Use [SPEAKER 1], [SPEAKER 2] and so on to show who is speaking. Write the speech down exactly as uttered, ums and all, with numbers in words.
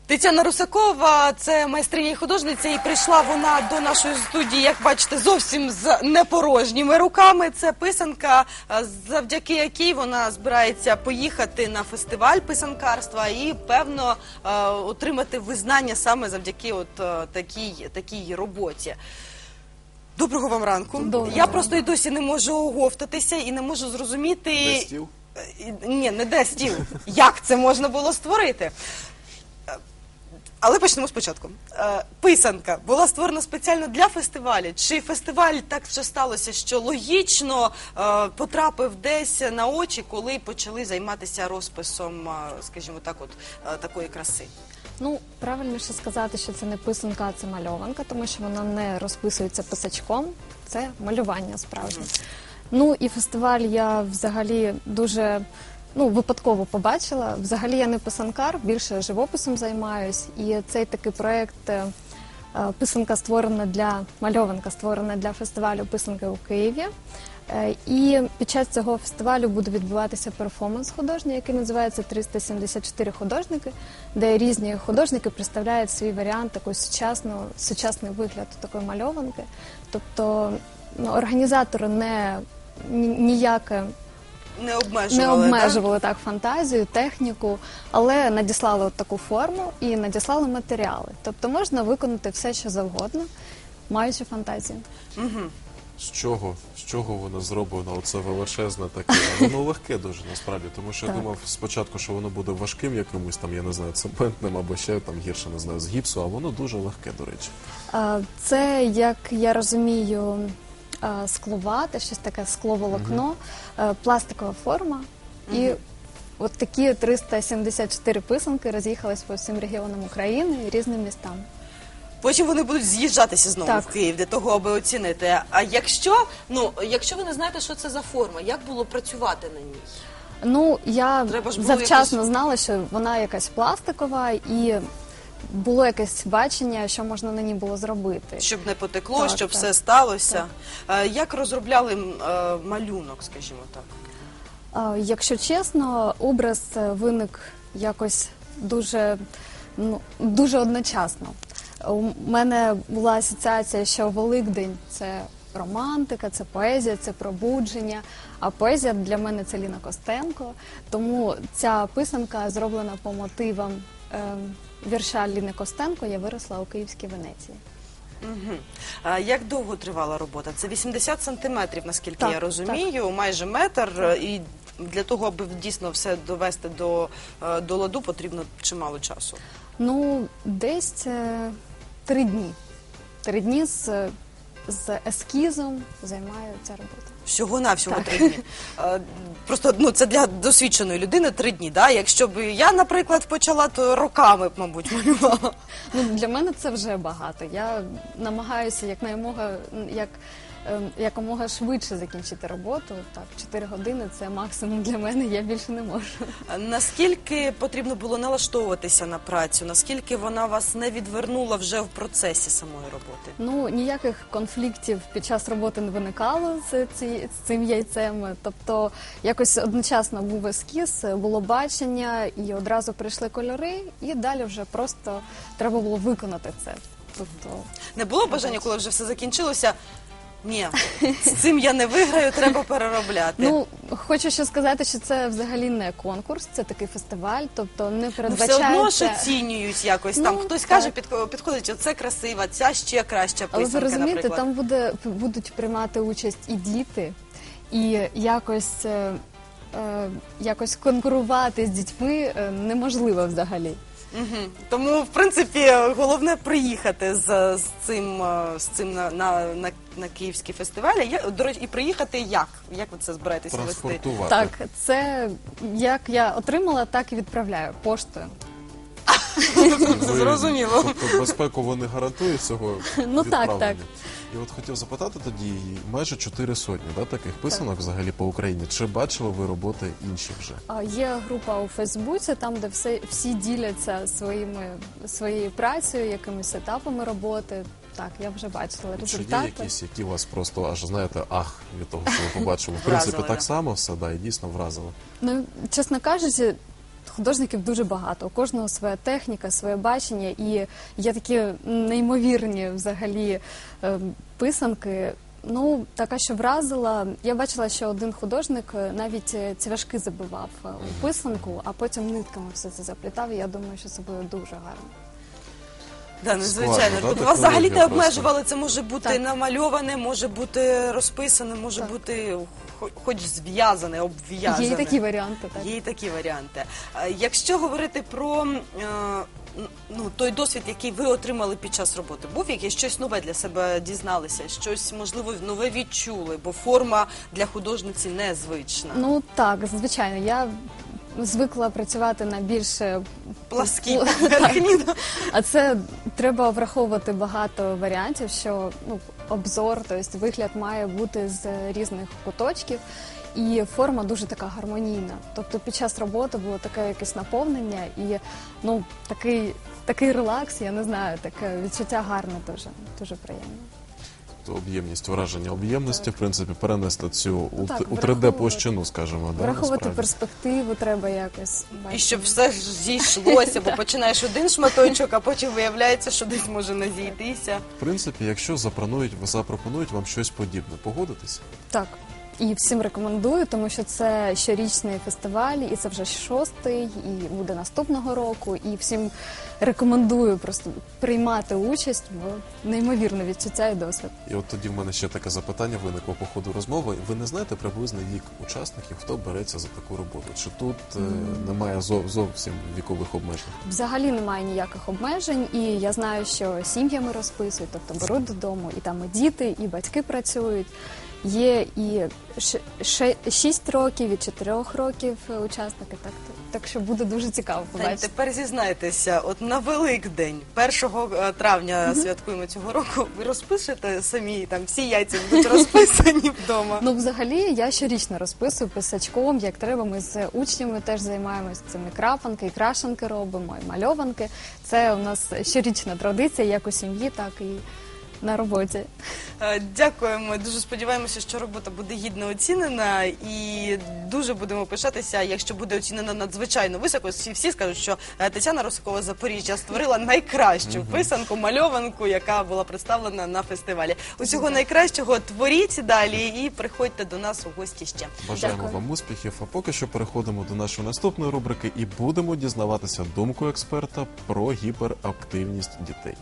[SPEAKER 1] Тетяна Русакова – це майстриня і художниця, і прийшла вона до нашої студії, як бачите, зовсім з непорожніми руками. Це писанка, завдяки якій вона збирається поїхати на фестиваль писанкарства і, певно, отримати визнання саме завдяки от такій, такій роботі. Доброго вам ранку.
[SPEAKER 2] Доброго.
[SPEAKER 1] Я просто і досі не можу оговтатися і не можу зрозуміти...
[SPEAKER 3] Де стіл?
[SPEAKER 1] Ні, не де стіл. Як це можна було створити? Але почнемо спочатку. Писанка була створена спеціально для фестивалю? Чи фестиваль так вже сталося, що логічно потрапив десь на очі, коли почали займатися розписом, скажімо так, от такої краси?
[SPEAKER 2] Ну, правильніше сказати, що це не писанка, а це мальованка, тому що вона не розписується писачком, це малювання справжнє. Mm. Ну і фестиваль я взагалі дуже... Ну, випадково побачила. Взагалі я не писанкар, більше живописом займаюсь. І цей такий проєкт «Писанка створена для, мальованка створена для фестивалю писанки у Києві». І під час цього фестивалю буде відбуватися перформанс художній, який називається «триста сімдесят чотири художники», де різні художники представляють свій варіант, такий сучасний, сучасний вигляд такої мальованки. Тобто ну, організатори не ніяке...
[SPEAKER 1] Не обмежували,
[SPEAKER 2] не обмежували
[SPEAKER 1] так?
[SPEAKER 2] так фантазію, техніку, але надіслали от таку форму і надіслали матеріали. Тобто можна виконати все, що завгодно, маючи фантазію.
[SPEAKER 1] Угу.
[SPEAKER 3] З чого? З чого воно зроблено? Оце величезне таке. Воно легке дуже, насправді. Тому що я
[SPEAKER 2] Так.
[SPEAKER 3] думав спочатку, що воно буде важким якимось, там, я не знаю, цементним або ще там гірше, не знаю, з гіпсу, а воно дуже легке, до речі.
[SPEAKER 2] А, Це, як я розумію, а, скловате, щось таке скловолокно, а, пластикова форма. І от такі триста сімдесят чотири писанки роз'їхались по всім регіонам України і різним містам.
[SPEAKER 1] Потім вони будуть з'їжджатися знову
[SPEAKER 2] Так.
[SPEAKER 1] в Київ для того, аби оцінити. А якщо, ну, якщо ви не знаєте, що це за форма, як було працювати на ній?
[SPEAKER 2] Ну, я
[SPEAKER 1] Треба ж було
[SPEAKER 2] завчасно
[SPEAKER 1] якось-
[SPEAKER 2] знала, що вона якась пластикова, і було якесь бачення, що можна на ній було зробити.
[SPEAKER 1] Щоб не потекло,
[SPEAKER 2] Так,
[SPEAKER 1] щоб
[SPEAKER 2] так.
[SPEAKER 1] все сталося. Е, Як розробляли м, е, малюнок, скажімо так?
[SPEAKER 2] А, Якщо чесно, образ е, виник якось дуже, ну, дуже одночасно. У мене була асоціація, що Великдень – це романтика, це поезія, це пробудження, а поезія для мене – це Ліна Костенко. Тому ця писанка зроблена по мотивам е, вірша Ліни Костенко «Я виросла у Київській Венеції».
[SPEAKER 1] Угу. А як довго тривала робота? Це вісімдесят сантиметрів, наскільки
[SPEAKER 2] Так,
[SPEAKER 1] я розумію, майже метр. І для того, аби дійсно все довести до, е, до ладу, потрібно чимало часу.
[SPEAKER 2] Ну, десь е, три дні. Три дні з, з ескізом займає ця робота.
[SPEAKER 1] Всього-навсього
[SPEAKER 2] Так.
[SPEAKER 1] три дні. Е, Просто ну, це для досвідченої людини три дні. Да? Якщо б я, наприклад, почала, то роками б, мабуть, малювала.
[SPEAKER 2] Ну, для мене це вже багато. Я намагаюся якнаймога, як, е, якомога швидше закінчити роботу. Так, чотири години – це максимум для мене, я більше не можу.
[SPEAKER 1] Наскільки потрібно було налаштовуватися на працю? Наскільки вона вас не відвернула вже в процесі самої роботи?
[SPEAKER 2] Ну, ніяких конфліктів під час роботи не виникало з, ці, з цим яйцем. Тобто, якось одночасно був ескіз, було бачення, і одразу прийшли кольори, і далі вже просто треба було виконати це. Тобто,
[SPEAKER 1] Не було бажання, коли вже все закінчилося? Ні, з цим я не виграю, треба переробляти.
[SPEAKER 2] ну, хочу ще сказати, що це взагалі не конкурс, це такий фестиваль, тобто не
[SPEAKER 1] Ну, все
[SPEAKER 2] передбачається...
[SPEAKER 1] одно ж оцінюють якось. Там
[SPEAKER 2] Ну,
[SPEAKER 1] хтось
[SPEAKER 2] так.
[SPEAKER 1] каже, підко- підходить, оце красива, ця ще краща
[SPEAKER 2] Але ви
[SPEAKER 1] писанка,
[SPEAKER 2] розумієте,
[SPEAKER 1] наприклад.
[SPEAKER 2] там буде, будуть приймати участь і діти, і якось, е, е, якось конкурувати з дітьми е, неможливо взагалі.
[SPEAKER 1] Угу. Тому, в принципі, головне приїхати з, з цим, е, з цим на, на, на, на київський фестиваль. Я, до речі, і приїхати як? Як ви це збираєтеся вести?
[SPEAKER 3] Транспортувати.
[SPEAKER 2] Так, це як я отримала, так і відправляю поштою.
[SPEAKER 3] Ви-
[SPEAKER 1] Зрозуміло.
[SPEAKER 3] Тобто безпеку вони гарантують цього
[SPEAKER 2] Ну, так,
[SPEAKER 3] відправлення?
[SPEAKER 2] так.
[SPEAKER 3] І от хотів запитати тоді, майже чотири сотні да, таких писанок взагалі по Україні. Чи бачили ви роботи інші вже?
[SPEAKER 2] А, Є група у Фейсбуці, там, де все, всі діляться своїми, своєю працею, якимись етапами роботи. Так, я вже бачила
[SPEAKER 3] Чи є
[SPEAKER 2] результати.
[SPEAKER 3] якісь, які вас просто аж, знаєте, ах, від того, що ви побачили? В принципі,
[SPEAKER 1] Вразили,
[SPEAKER 3] так
[SPEAKER 1] да?
[SPEAKER 3] само все, да, і дійсно вразило.
[SPEAKER 2] Ну, чесно кажучи, художників дуже багато. У кожного своя техніка, своє бачення, і є такі неймовірні взагалі е, писанки. Ну, така, що вразила. Я бачила, що один художник е, навіть е, цвяшки забивав е, у писанку, а потім нитками все це заплітав. І я думаю, що це буде дуже гарно.
[SPEAKER 1] Да, надзвичайно.
[SPEAKER 3] Складно, да,
[SPEAKER 1] Вас взагалі не
[SPEAKER 3] технологія
[SPEAKER 1] обмежували, це може бути
[SPEAKER 2] Так.
[SPEAKER 1] намальоване, може бути розписане, може
[SPEAKER 2] Так.
[SPEAKER 1] бути хо- хоч зв'язане, обв'язане.
[SPEAKER 2] Є і такі варіанти, так.
[SPEAKER 1] Є і такі варіанти. Е, Якщо говорити про е, ну, той досвід, який ви отримали під час роботи, був якесь щось нове для себе дізналися, щось, можливо, нове відчули, бо форма для художниці незвична.
[SPEAKER 2] Ну так, звичайно, я звикла працювати на більш е,
[SPEAKER 1] Пласкі
[SPEAKER 2] Так.
[SPEAKER 1] поверхні.
[SPEAKER 2] А це треба враховувати багато варіантів, що ну, обзор, тобто вигляд має бути з різних куточків, і форма дуже така гармонійна. Тобто під час роботи було таке якесь наповнення і ну, такий, такий релакс, я не знаю, таке відчуття гарне дуже, дуже приємно.
[SPEAKER 3] То об'ємність, враження об'ємності, в принципі, перенести цю у,
[SPEAKER 2] так,
[SPEAKER 3] т- у три
[SPEAKER 2] враховувати.
[SPEAKER 3] де площину, скажімо. Да,
[SPEAKER 2] Враховувати
[SPEAKER 3] насправді.
[SPEAKER 2] перспективу треба якось
[SPEAKER 1] І
[SPEAKER 2] бачити.
[SPEAKER 1] щоб все ж зійшлося, бо починаєш один шматочок, а потім виявляється, що десь може не зійтися.
[SPEAKER 3] В принципі, якщо запропонують, запропонують вам щось подібне, погодитесь?
[SPEAKER 2] Так. І всім рекомендую, тому що це щорічний фестиваль, і це вже шостий, і буде наступного року. І всім рекомендую просто приймати участь, бо неймовірне відчуття і досвід.
[SPEAKER 3] І от тоді в мене ще таке запитання виникло по ходу розмови. Ви не знаєте приблизний вік учасників, хто береться за таку роботу? Чи тут е, немає зов- зовсім вікових обмежень?
[SPEAKER 2] Взагалі немає ніяких обмежень, і я знаю, що сім'ями розписують, тобто беруть додому, і там і діти, і батьки працюють. Є і ш- ше- шість років, і чотирьох років учасники, так, так що буде дуже цікаво
[SPEAKER 1] Та й
[SPEAKER 2] побачити.
[SPEAKER 1] тепер зізнайтеся, от на Великдень, першого травня святкуємо цього року, ви розпишете самі, там всі яйця будуть розписані вдома.
[SPEAKER 2] Ну, взагалі, я щорічно розписую писачком, як треба. Ми з учнями теж займаємося цими крапанки, і крашанки робимо, і мальованки. Це у нас щорічна традиція, як у сім'ї, так і на роботі.
[SPEAKER 1] Е, Дякуємо. Дуже сподіваємося, що робота буде гідно оцінена, і дуже будемо пишатися, якщо буде оцінена надзвичайно високо. Всі, всі скажуть, що е, Тетяна Росикова з Запоріжжя створила найкращу писанку, мальованку, яка була представлена на фестивалі. Усього найкращого, творіть далі і приходьте до нас у гості ще.
[SPEAKER 3] Бажаємо
[SPEAKER 2] Дякую.
[SPEAKER 3] вам успіхів. А поки що переходимо до нашої наступної рубрики і будемо дізнаватися думку експерта про гіперактивність дітей.